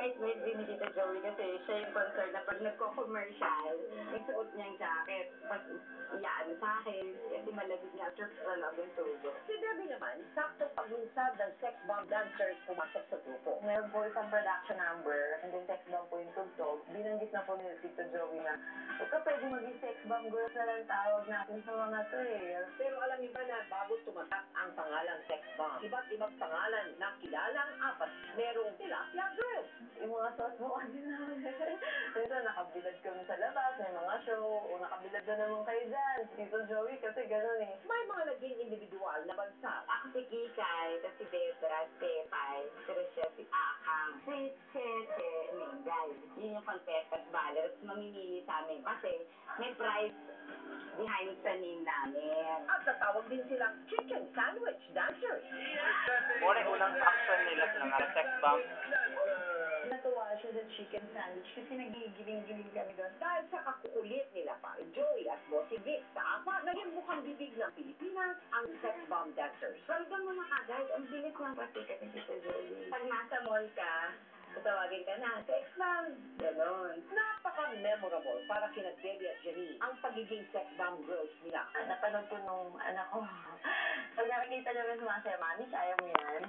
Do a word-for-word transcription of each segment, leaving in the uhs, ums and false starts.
bait-bait din ni Tita Joey kasi siya yung concern na pag nagko-commercial, yung suot niyang jacket, pag iyaan sa akin, kasi malamig nga, trip na lang yung tubo. Si Debbie naman, sakto paglunsad ng sex bomb dancers pumasok sa grupo. Meron po isang production number, and then sex bomb po yung tugtog. Binanggit na po ni Tito Joey na, huwag ka pwede maging sex bomb girls na lang tawag natin sa mga to eh. Pero alam niyo ba na bago tumatak ang pangalang sex bomb, iba't ibang pangalan na kilalang apat, merong tilapia girls. Yung mga sauce mo kasi namin. Minsan nakabilad kami sa labas, may mga show, o nakabilad na naman kayo dyan. Tito Joey kasi gano'n eh. May mga naging individual na bansa. Ako si Kikay, tapos si Debra, si Pepay, si Rochelle, si Akang, si Che, Che, Mingay. Yun yung contestant ballot. Mamimili sa amin kasi may prize behind sa name namin. At natawag din silang chicken sandwich dancers. Muna unang action nila ng sex bomb. Natuwa siya sa chicken sandwich kasi nagigiling-giling kami doon. Dahil sa kakukulit nila pa, Joey at Bossy Vic sa apa, naging mukhang bibig ng Pilipinas ang sex bomb dancers. Welcome mo na kagad. Ang bilis ng pasikat ni Tita Joey. Pag nasa mall ka, tatawagin ka na, sex bomb. Ganon. Napaka-memorable para kina Debbie at Jenny ang pagiging sex bomb girls nila. Ah, napanood ko nung anak ko. Pag nakikita namin sumasaya, Mami, kaya mo yan.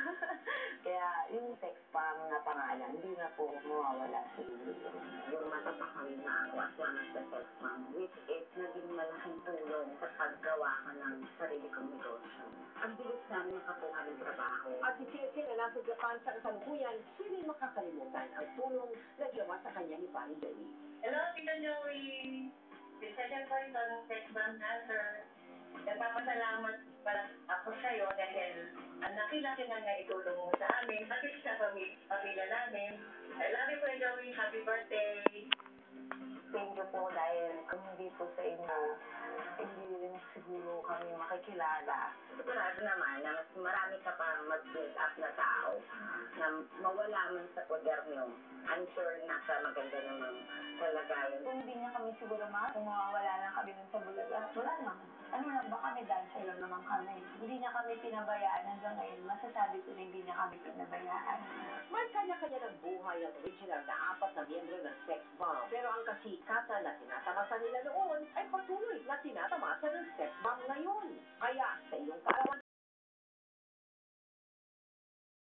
Kaya yung sex bomb na pangalan, hindi na po mawawala sa iyo. Yung matatakaw na ako at one of the sex bomb, which is naging malaking tulong sa paggawa ko ng sarili kong negosyo. Ang bilis namin nakakuha ng trabaho. At si Cheche na nasa Japan sa kasalukuyan, hindi makakalimutan ang tulong na ginawa sa kanya ni Fanny Joey. Hello, Tito Joey. Session ko ito ng sex bomb dancer. Nagpapasalamat pala ako sa'yo dahil ang laki-laki na nga itulong mo sa amin, pati sa pamilya, pamilya namin. I love you, Kuya Joey. Happy birthday. Thank you po dahil kung hindi po sa inyo, hindi rin siguro kami makikilala. Sigurado naman na mas marami ka pang mag-build up na tao na mawala man sa poder niyo. I'm sure nasa maganda naman kalagayan. Kung hindi niya kami siguro ma, kung mawawala lang kami dun sa Bulaga, wala naman. Ano lang ba kami, dancer lang naman kami. Hindi niya kami pinabayaan hanggang ngayon. Masasabi ko na hindi niya kami pinabayaan. May kanya-kanya ng buhay ang original na apat na miyembro ng sex bomb. Pero ang kasikatan na tinatamasa nila noon ay patuloy na tinatamasa